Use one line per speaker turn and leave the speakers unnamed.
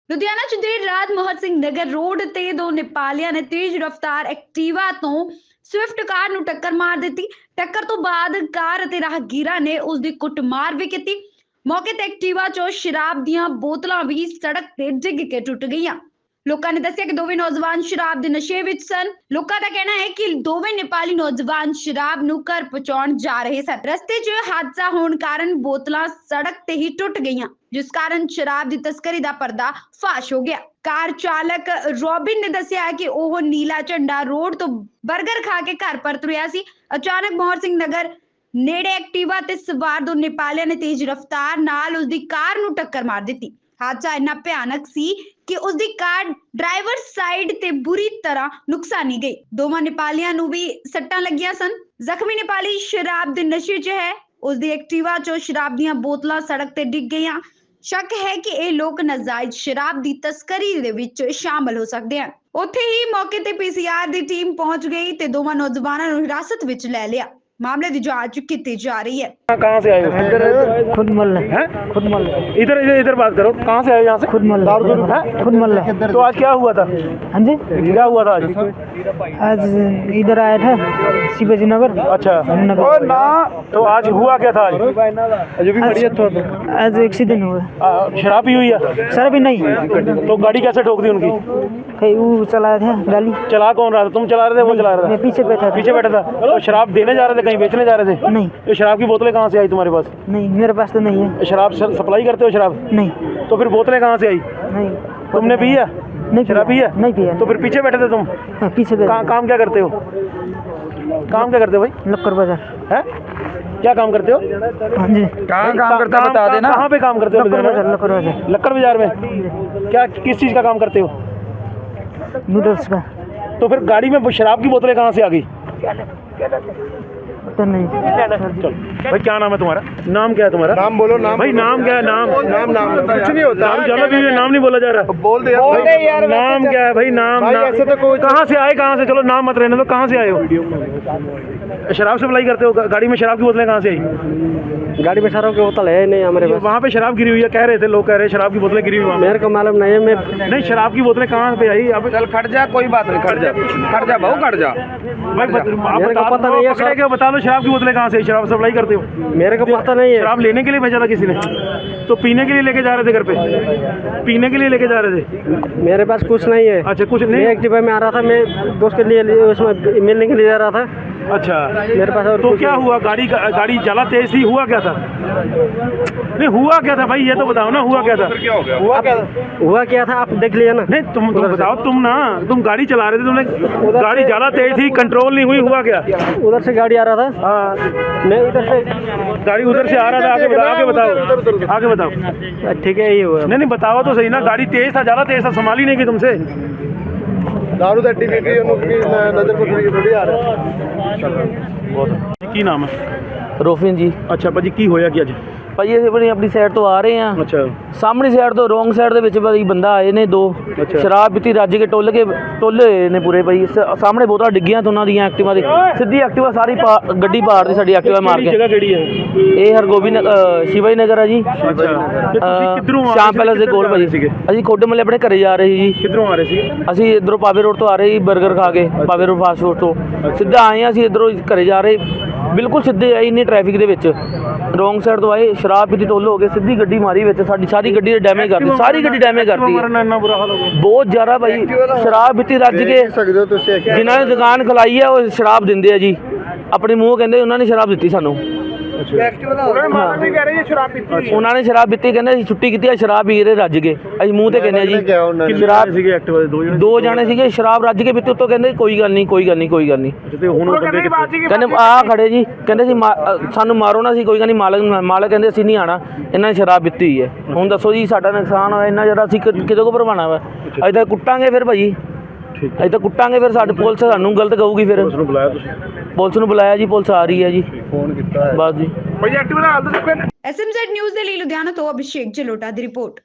ਲੁਧਿਆਣਾ ਚ ਦੇਰ ਰਾਤ ਮੋਹਨ ਸਿੰਘ ਨਗਰ ਰੋਡ ਤੇ ਦੋ ਨੇਪਾਲੀਆਂ ਨੇ ਤੇਜ਼ ਰਫ਼ਤਾਰ ਐਕਟਿਵਾ ਤੋਂ ਸਵਿਫਟ ਕਾਰ ਨੂੰ ਟੱਕਰ ਮਾਰ ਦਿੱਤੀ। ਟੱਕਰ ਤੋਂ ਬਾਅਦ ਕਾਰ ਅਤੇ ਰਾਹਗੀਰਾਂ ਨੇ ਉਸ ਦੀ ਕੁੱਟਮਾਰ ਵੀ ਕੀਤੀ। ਮੌਕੇ ਤੇ ਐਕਟਿਵਾ ਚੋਂ ਸ਼ਰਾਬ ਦੀਆਂ ਬੋਤਲਾਂ ਵੀ ਸੜਕ ਤੇ ਡਿੱਗ ਕੇ ਟੁੱਟ ਗਈਆਂ। ਲੋਕਾਂ ਨੇ ਦੱਸਿਆ ਕਿ ਦੋਵੇਂ ਨੌਜਵਾਨ ਸ਼ਰਾਬ ਦੇ ਨਸ਼ੇ ਵਿੱਚ ਸਨ। ਲੋਕਾਂ ਦਾ ਕਹਿਣਾ ਹੈ ਕਿ ਦੋਵੇਂ ਨੇਪਾਲੀ ਨੌਜਵਾਨ ਸ਼ਰਾਬ ਨੂੰ ਘਰ ਪਹੁੰਚਾਉਣ ਜਾ ਰਹੇ ਸਨ। ਰਸਤੇ 'ਚ ਹਾਦਸਾ ਹੋਣ ਕਾਰਨ ਬੋਤਲਾਂ ਸੜਕ ਤੇ ਹੀ ਟੁੱਟ ਗਈਆਂ, ਜਿਸ ਕਾਰਨ ਸ਼ਰਾਬ ਦੀ ਤਸਕਰੀ ਦਾ ਪਰਦਾ ਫਾਸ਼ ਹੋ ਗਿਆ। ਕਾਰ ਚਾਲਕ ਰੋਬਿਨ ਨੇ ਦੱਸਿਆ ਕਿ ਉਹ ਨੀਲਾ ਝੰਡਾ ਰੋਡ ਤੋਂ 버ਗਰ ਖਾ ਕੇ ਘਰ ਪਰਤ ਰਿਹਾ ਸੀ। ਅਚਾਨਕ ਮੋਹਨ ਸਿੰਘ ਨਗਰ ਨੇੜੇ ਐਕਟਿਵਾ ਤੇ ਸਵਾਰ ਦੋ ਨੇਪਾਲੀਆਂ ਨੇ ਤੇਜ਼ ਰਫ਼ਤਾਰ ਨਾਲ ਉਸ ਦੀ ਕਾਰ ਨੂੰ ਟੱਕਰ ਮਾਰ ਦਿੱਤੀ। ਹਾਦਸਾ ਇੰਨਾ ਭਿਆਨਕ ਸੀ ਕਿ ਉਸ ਦੀ ਕਾਰ ਡਰਾਈਵਰ ਸਾਈਡ ਤੇ ਬੁਰੀ ਤਰ੍ਹਾਂ ਨੁਕਸਾਨੀ ਗਈ। ਦੋਵਾਂ ਨੇਪਾਲੀਆਂ ਨੂੰ ਵੀ ਸੱਟਾਂ ਲੱਗੀਆਂ ਸਨ। ਜ਼ਖਮੀ ਨੇਪਾਲੀ ਸ਼ਰਾਬ ਦੇ ਨਸ਼ੇ 'ਚ ਹੈ। ਉਸ ਦੀ ਐਕਟਿਵਾ 'ਚੋਂ ਸ਼ਰਾਬ ਦੀਆਂ ਬੋਤਲਾਂ ਸੜਕ ਤੇ ਡਿੱਗ ਗਈਆਂ। ਸ਼ੱਕ ਹੈ ਕਿ ਇਹ ਲੋਕ ਨਾਜਾਇਜ਼ ਸ਼ਰਾਬ ਦੀ ਤਸਕਰੀ ਦੇ ਵਿੱਚ ਸ਼ਾਮਲ ਹੋ ਸਕਦੇ ਹਨ। ਉੱਥੇ ਹੀ ਮੌਕੇ ਤੇ पीसीआर ਦੀ ਟੀਮ ਪਹੁੰਚ ਗਈ ਤੇ ਦੋਵਾਂ ਨੌਜਵਾਨਾਂ ਨੂੰ ਹਿਰਾਸਤ ਵਿੱਚ ਲੈ ਲਿਆ। मामले की जांच की जा रही है।
कहाँ से आए हो?
खुद मल है, खुद मल।
इधर इधर इधर बात करो, कहाँ से आए हो? यहाँ से
खुद मल है, खुद मल है।
तो आज क्या हुआ था?
हाँ जी,
क्या हुआ था
आज इधर आया था शिवाजी नगर।
अच्छा, तो आज हुआ क्या था?
आज एक्सीडेंट हुआ।
शराब पी हुई है?
सर भी नहीं,
तो गाड़ी कैसे ठोक दी उनकी?
कहीं वो चलाया था गाड़ी।
चला कौन रहा था? तुम चला रहे थे? वो चला रहा
मैं
था?
पीछे बैठा था।
पीछे बैठा था। तो शराब देने जा रहे थे, कहीं बेचने जा रहे थे?
नहीं
ये शराब की बोतलें कहाँ से आई तुम्हारे पास?
नहीं, मेरे पास तो नहीं है।
शराब सप्लाई करते हो शराब?
नहीं
तो फिर बोतलें कहाँ से आई?
नहीं,
तुमने पी है?
नहीं
शराब पी है?
नहीं पिया।
तो फिर पीछे बैठे थे तुम?
हाँ, पीछे बैठा।
काम क्या करते हो? काम क्या करते हो भाई?
लक्कर बाजार
है? क्या काम करते हो?
हाँ जी।
कहाँ काम करते हो बता देना। कहाँ पे काम करते हो?
लक्कर बाजार।
लक्कर बाजार में क्या किस चीज़ का काम करते हो?
नूडल्स का।
तो फिर गाड़ी में शराब की बोतलें कहाँ से आ गई?
पता नहीं।
चलो भाई, क्या नाम है तुम्हारा? नाम क्या है तुम्हारा?
नाम बोलो। नाम
भाई नाम क्या है? नाम
कुछ नहीं होता।
चलो भी नाम नहीं बोला जा रहा।
बोल दे यार।
नाम क्या है भाई? नाम
ऐसे तो कोई
कहाँ से आए? कहाँ से? चलो नाम मत रहने दो। कहाँ से आए हो? शराब सप्लाई करते हो? गाड़ी में शराब की बोतलें कहाँ से आई?
गाड़ी में शराब की बोतल है नहीं हमारे पास।
वहाँ पे शराब गिरी हुई है, कह रहे थे लोग, कह रहे शराब की बोतलें गिरी हुई।
मेरे को मालूम नहीं है। मैं
नहीं, शराब की बोतलें कहाँ पे आई? अब
चल खट जा, कोई बात नहीं। खट जा भाऊ, खट जा
भाई
मेरे को पता नहीं है।
पकड़े क्या? बता दो शराब की बोतलें कहाँ से? शराब सप्लाई करते हो?
मेरे को पता नहीं है।
शराब लेने के लिए भेजा था किसी ने? तो पीने के लिए लेके जा रहे थे घर पे? पीने के लिए लेके जा रहे थे?
मेरे पास कुछ नहीं है।
अच्छा, कुछ
मैं
नहीं।
एक्टिवा में आ रहा था, मैं दोस्त के लिए उसमें मिलने के लिए जा रहा था।
अच्छा,
मेरे पास और
तो
कुछ
क्या
नहीं।
हुआ? गाड़ी ज्यादा तेज थी? हुआ क्या था? नहीं, हुआ क्या था भाई? ये तो बताओ ना, हुआ क्या था?
हुआ क्या था आप देख लिया ना।
नहीं, तुम बताओ। तुम गाड़ी चला रहे थे, तुमने गाड़ी ज्यादा तेज थी, कंट्रोल नहीं हुई, हुआ क्या?
उधर से गाड़ी आ रहा था।
हाँ,
मैं इधर से
गाड़ी उधर से आ रहा था। आगे बताओ।
ठीक है, ये हुआ।
नहीं, बताओ तो सही ना। गाड़ी तेज था, ज्यादा तेज था, संभाल ही नहीं की तुमसे।
दारू दा टीवी की नजर को थोड़ी आ रहा है।
की नाम है?
ਰੋਫਿਨ ਜੀ।
अच्छा भाजी, की होया कि अज?
ਭਾਜੀ ਅਸੀਂ ਆਪਣੀ ਸਾਈਡ ਤੋਂ ਆ ਰਹੇ ਹਾਂ।
अच्छा,
ਸਾਹਮਣੀ ਸਾਈਡ ਤੋਂ ਰੋਂਗ ਸਾਈਡ ਦੇ ਵਿੱਚ ਭਾਜੀ ਬੰਦਾ ਆਏ ਨੇ ਦੋ।
ਅੱਛਾ।
ਸ਼ਰਾਬ ਪੀਤੀ ਰੱਜ ਕੇ ਟੁੱਲੇ ਹੋਏ ਨੇ ਪੂਰੇ ਭਾਈ। ਸਾਹਮਣੇ ਬੋਤਲਾਂ ਡਿੱਗੀਆਂ ਤੇ ਉਹਨਾਂ ਦੀਆਂ ਐਕਟਿਵਾ ਦੀ ਸਿੱਧੀ ਐਕਟਿਵਾ ਸਾਰੀ ਗੱਡੀ ਪਾੜਦੀ ਸਾਡੀ ਐਕਟਿਵਾ ਮਾਰ ਕੇ।
जगह केड़ी है?
ਇਹ ਹਰਗੋਬਿੰਦ ਸ਼ਿਵਾਜੀ ਨਗਰ ਆ ਜੀ।
अच्छा, किधरों
ਸ਼ਾਮ ਪੈਲਸ ਦੇ ਕੋਲ ਭਾਜੀ। ਅਸੀਂ ਖੋਡੇ ਮੱਲੇ ਆਪਣੇ ਘਰੇ ਜਾ ਰਹੇ ਸੀ ਜੀ।
किधरों आ रहे थे?
ਅਸੀਂ ਇਧਰੋਂ ਪਾਵੇ ਰੋਡ ਤੋਂ ਆ ਰਹੇ ਸੀ 버ਗਰ ਖਾ ਕੇ। ਪਾਵੇ ਰੋਡ ਫਾਸਟ ਫੂਡ ਤੋਂ ਸਿੱਧਾ ਆਏ ਹਾਂ ਅਸੀਂ ਇਧਰੋਂ ਘਰੇ ਜਾ ਰਹੇ, ਬਿਲਕੁਲ ਸਿੱਧੇ ਆਏ ਇੰਨੀ ਟ੍ਰੈਫਿਕ ਦੇ ਵਿੱਚ। ਰੋਂਗ ਸਾਈਡ ਤੋਂ ਆਏ, ਸ਼ਰਾਬ ਪੀਤੀ ਟੁੱਲ ਹੋ ਗਏ, ਸਿੱਧੀ ਗੱਡੀ ਮਾਰੀ ਵਿੱਚ ਸਾਡੀ ਸਾਰੀ ਗੱਡੀ ਦੇ ਡੈਮੇਜ ਕਰਤੀ। ਸਾਰੀ ਗੱਡੀ ਡੈਮੇਜ ਕਰਤੀ ਹੈ।
ਇੰਨਾ ਬੁਰਾ ਹਾਲ ਹੋ ਗਿਆ।
ਬਹੁਤ ਜ਼ਿਆਦਾ ਭਾਈ। ਸ਼ਰਾਬ ਪੀਤੀ ਰੱਜ ਕੇ
ਸਕਦੇ ਹੋ ਤੁਸੀਂ।
ਜਿਨ੍ਹਾਂ ਨੇ ਦੁਕਾਨ ਖਲਾਈ ਹੈ ਉਹ ਸ਼ਰਾਬ ਦਿੰਦੇ ਆ ਜੀ। ਆਪਣੇ ਮੂੰਹ ਕਹਿੰਦੇ ਉਹਨਾਂ ਨੇ ਸ਼ਰਾਬ ਦਿੱਤੀ ਸਾਨੂੰ। ਉਹਨਾਂ ਨੇ ਸ਼ਰਾਬ ਪੀਤੀ, ਕਹਿੰਦੇ ਅਸੀਂ ਛੁੱਟੀ ਕੀਤੀ ਆ, ਸ਼ਰਾਬ ਪੀ ਰਹੇ ਰੱਜ ਕੇ। ਅਸੀਂ ਮੂੰਹ ਤੇ ਕਹਿੰਦੇ ਆ ਜੀ।
ਸ਼ਰਾਬ ਸੀਗੇ ਐਕਟਿਵਾ ਦੇ
ਦੋ ਜਾਣੇ ਸੀਗੇ, ਸ਼ਰਾਬ ਰੱਜ ਕੇ ਪੀਤੀ। ਉੱਤੋਂ ਕਹਿੰਦੇ ਕੋਈ ਗੱਲ ਨਹੀਂ, ਕੋਈ ਗੱਲ ਨਹੀਂ, ਕੋਈ ਗੱਲ ਨਹੀਂ।
ਤੇ ਹੁਣ ਉਹ ਬੰਦੇ
ਕਹਿੰਦੇ ਆ ਖੜੇ ਜੀ, ਕਹਿੰਦੇ ਸੀ ਸਾਨੂੰ ਮਾਰੋ ਨਾ, ਸੀ ਕੋਈ ਗੱਲ ਨਹੀਂ। ਮਾਲਕ ਕਹਿੰਦੇ ਅਸੀਂ ਨਹੀਂ ਆਣਾ, ਇਹਨਾਂ ਨੇ ਸ਼ਰਾਬ ਪੀਤੀ ਹੋਈ ਹੈ। ਹੁਣ ਦੱਸੋ ਜੀ, ਸਾਡਾ ਨੁਕਸਾਨ ਹੋਇਆ ਇੰਨਾ ਜ਼ਿਆਦਾ, ਅਸੀਂ ਕਿਹਦੇ ਕੋਲ ਭਰਵਾਉਣਾ ਵਾ? ਅਸੀਂ ਤਾਂ ਕੁੱਟਾਂਗੇ ਫਿਰ ਭਾਜੀ, ਅਸੀਂ ਤਾਂ ਕੁੱਟਾਂਗੇ ਫਿਰ। ਸਾਡੇ ਪੁਲਿਸ ਸਾਨੂੰ ਗਲਤ ਕਹੂਗੀ ਫਿਰ।
ਨੂੰ ਬੁਲਾਇਆ ਤੁਸੀਂ?
ਪੁਲਿਸ ਨੂੰ ਬੁਲਾਇਆ ਜੀ, ਪੁਲਿਸ ਆ ਰਹੀ ਹੈ ਜੀ।
ਫੋਨ ਕੀਤਾ
ਬਸ ਜੀ।
SMZ ਨਿਊਜ਼ ਦੇ ਲਈ ਲੁਧਿਆਣਾ ਤੋਂ ਅਭਿਸ਼ੇਕ ਜਲੋਟਾ ਦੀ ਰਿਪੋਰਟ।